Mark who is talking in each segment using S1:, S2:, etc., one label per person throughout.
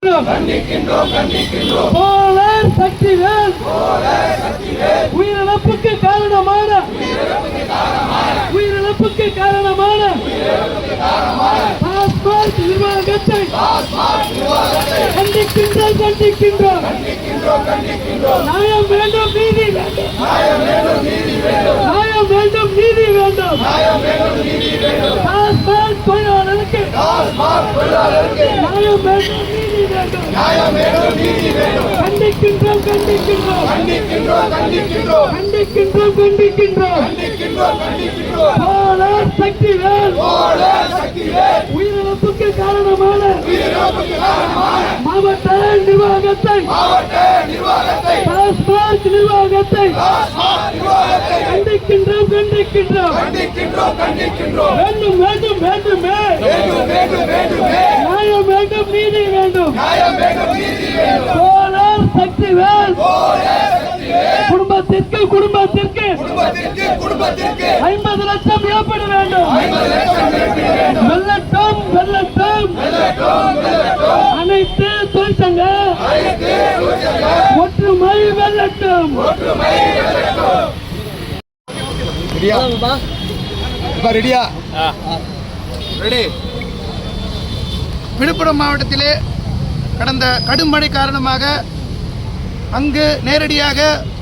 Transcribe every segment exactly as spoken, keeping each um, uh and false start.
S1: உயிரிழப்புக்கு காரணமான உயிரிழப்புக்கு காரணமான டாஸ்மாக் நிர்வாகத்தை கண்டிக்கின்றோம் கண்டிக்கின்றோம் நியாயம் வேண்டும் நீதி வேண்டும் நியாயம் வேண்டும் நீதி வேண்டும் டாஸ்மாக் தொழிலாளருக்கு நியாயம் வேண்டும் நீதி வேண்டும் கண்டிக்கின்றோம் கண்டிக்கின்றோம் கண்டிக்கின்றோம் கண்டிக்கின்றோம் கண்டிக்கின்றோம் சக்திவேல் உயிரிழப்புக்கு காரணமான மாவட்ட நிர்வாகத்தை டாஸ்மாக் நிர்வாகத்தை கண்டிக்கின்றோம் கண்டிக்கின்றோம் வேண்டும் வேண்டும் வேண்டுமே நியாயம் வேண்டும் நீதி வேண்டும் சோழர் சக்திவேல் குடும்பத்திற்கு குடும்பத்திற்கு ஐம்பது லட்சம் இழப்பீடு வேண்டும் வெள்ளட்டும் வெள்ளட்டும் அனைத்து தொழிற்சங்க ஒற்றுமை வெள்ளட்டும்.
S2: விழுப்புரம் மாவட்டத்திலே கடந்த கடும் மழை காரணமாக அங்கு நேரடியாக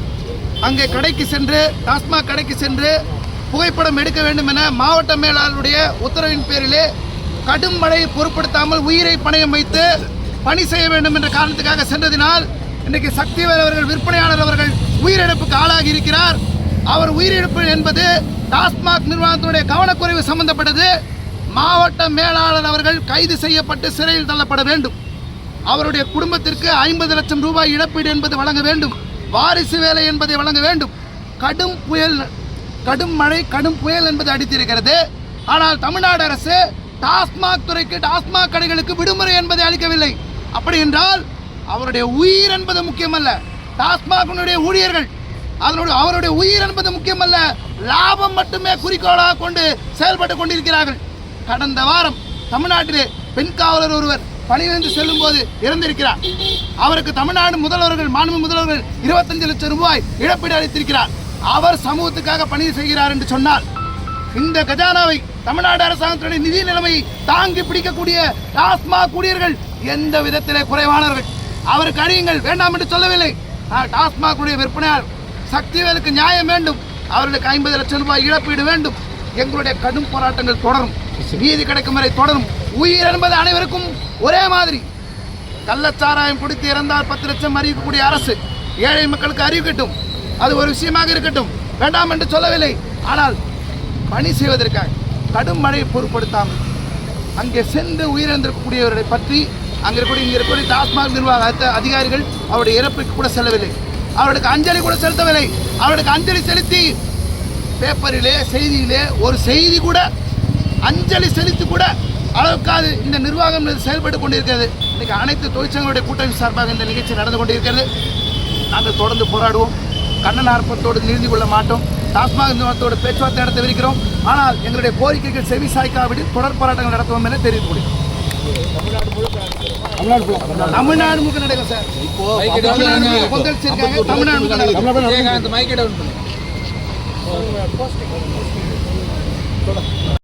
S2: அங்கே கடைக்கு சென்று டாஸ்மாக் கடைக்கு சென்று புகைப்படம் எடுக்க வேண்டும் என மாவட்ட மேலாளருடைய உத்தரவின் பேரிலே கடும் மழையை பொருட்படுத்தாமல் உயிரை பணயம் வைத்து பணி செய்ய வேண்டும் என்ற காரணத்துக்காக சென்றதினால் இன்றைக்கு சக்திவேல் அவர்கள் விற்பனையாளர் அவர்கள் உயிரிழப்புக்கு ஆளாகி இருக்கிறார். அவர் உயிரிழப்பு என்பது டாஸ்மாக் நிர்வாகத்தினுடைய கவனக்குறைவு சம்பந்தப்பட்டது. மாவட்ட மேலாளர் அவர்கள் கைது செய்யப்பட்டு சிறையில் தள்ளப்பட வேண்டும். அவருடைய குடும்பத்திற்கு ஐம்பது லட்சம் ரூபாய் இழப்பீடு என்பது வழங்க வேண்டும். வாரிசு வேலை என்பதை வழங்க வேண்டும். கடும் புயல் கடும் மழை கடும் புயல் என்பது அடித்திருக்கிறது. ஆனால் தமிழ்நாடு அரசு டாஸ்மாக் துறைக்கு டாஸ்மாக் கடைகளுக்கு விடுமுறை என்பதை அளிக்கவில்லை. அப்படி என்றால் அவருடைய உயிர் என்பது முக்கியமல்ல, டாஸ்மாக் ஊழியர்கள் அதனுடைய அவருடைய உயிர் என்பது முக்கியமல்ல, லாபம் மட்டுமே குறிக்கோளாக கொண்டு செயல்பட்டு கொண்டிருக்கிறார்கள். கடந்த வாரம் தமிழ்நாட்டிலே பெண் காவலர் ஒருவர் பணியிலிருந்து செல்லும் போது இறந்திருக்கிறார். அவருக்கு தமிழ்நாடு முதல்வர்கள் மாண்பு முதல்வர்கள் இருபத்தஞ்சு லட்சம் ரூபாய் இழப்பீடு அளித்திருக்கிறார். அவர் சமூகத்துக்காக பணி செய்கிறார் என்று சொன்னால் இந்த கஜானாவை தமிழ்நாடு அரசாங்கத்தினுடைய நிதி நிலைமையை தாங்கி பிடிக்கக்கூடிய டாஸ்மாக் ஊழியர்கள் எந்த விதத்திலே குறைவானவர்கள். அவருக்கு அழியுங்கள் வேண்டாம் என்று சொல்லவில்லை. டாஸ்மாக் விற்பனையாளர் சக்திவேலுக்கு நியாயம் வேண்டும். அவர்களுக்கு ஐம்பது லட்சம் ரூபாய் இழப்பீடு வேண்டும். எங்களுடைய கடும் போராட்டங்கள் தொடரும், நீதி கிடைக்கும் வரை தொடரும். உயிர் என்பது அனைவருக்கும் ஒரே மாதிரி. கள்ளச்சாராயம் குடித்து இறந்தால் பத்து லட்சம் அறிவிக்கக்கூடிய அரசு ஏழை மக்களுக்கு அறிவிக்கட்டும், அது ஒரு விஷயமாக இருக்கட்டும், வேண்டாம் என்று சொல்லவில்லை. ஆனால் பணி செய்வதற்காக கடும் மழையை பொருட்படுத்தாமல் அங்கே சென்று உயிரிழந்திருக்கக்கூடியவர்களை பற்றி அங்கே இருக்கக்கூடிய இங்கே இருக்கக்கூடிய டாஸ்மாக் நிர்வாக அதிகாரிகள் அவருடைய இறப்புக்கு கூட செல்லவில்லை. அவர்களுக்கு அஞ்சலி கூட செலுத்தவில்லை. அவர்களுக்கு அஞ்சலி செலுத்தி பேப்பரிலே செய்தியிலே ஒரு செய்தி கூட அஞ்சலி செலுத்தி கூட அளவுக்காது இந்த நிர்வாகம் செயல்பட்டு கொண்டிருக்கிறது. இன்னைக்கு அனைத்து தொழிற்சங்களுடைய கூட்டணி சார்பாக இந்த நிகழ்ச்சி நடந்து கொண்டிருக்கிறது. நாங்கள் தொடர்ந்து போராடுவோம். கண்ணன் ஆர்ப்பத்தோடு நிறுத்தி கொள்ள மாட்டோம். டாஸ்மாக் நிர்வாகத்தோடு பேச்சுவார்த்தை நடத்தவிருக்கிறோம். ஆனால் எங்களுடைய கோரிக்கைகள் செவி சாய்க்காவிட்டு தொடர் போராட்டங்கள் நடத்துவோம் என தெரிவித்து முடியும். தமிழ்நாடு முழுக்க நடக்கும் சார். இப்போ தமிழ்நாடு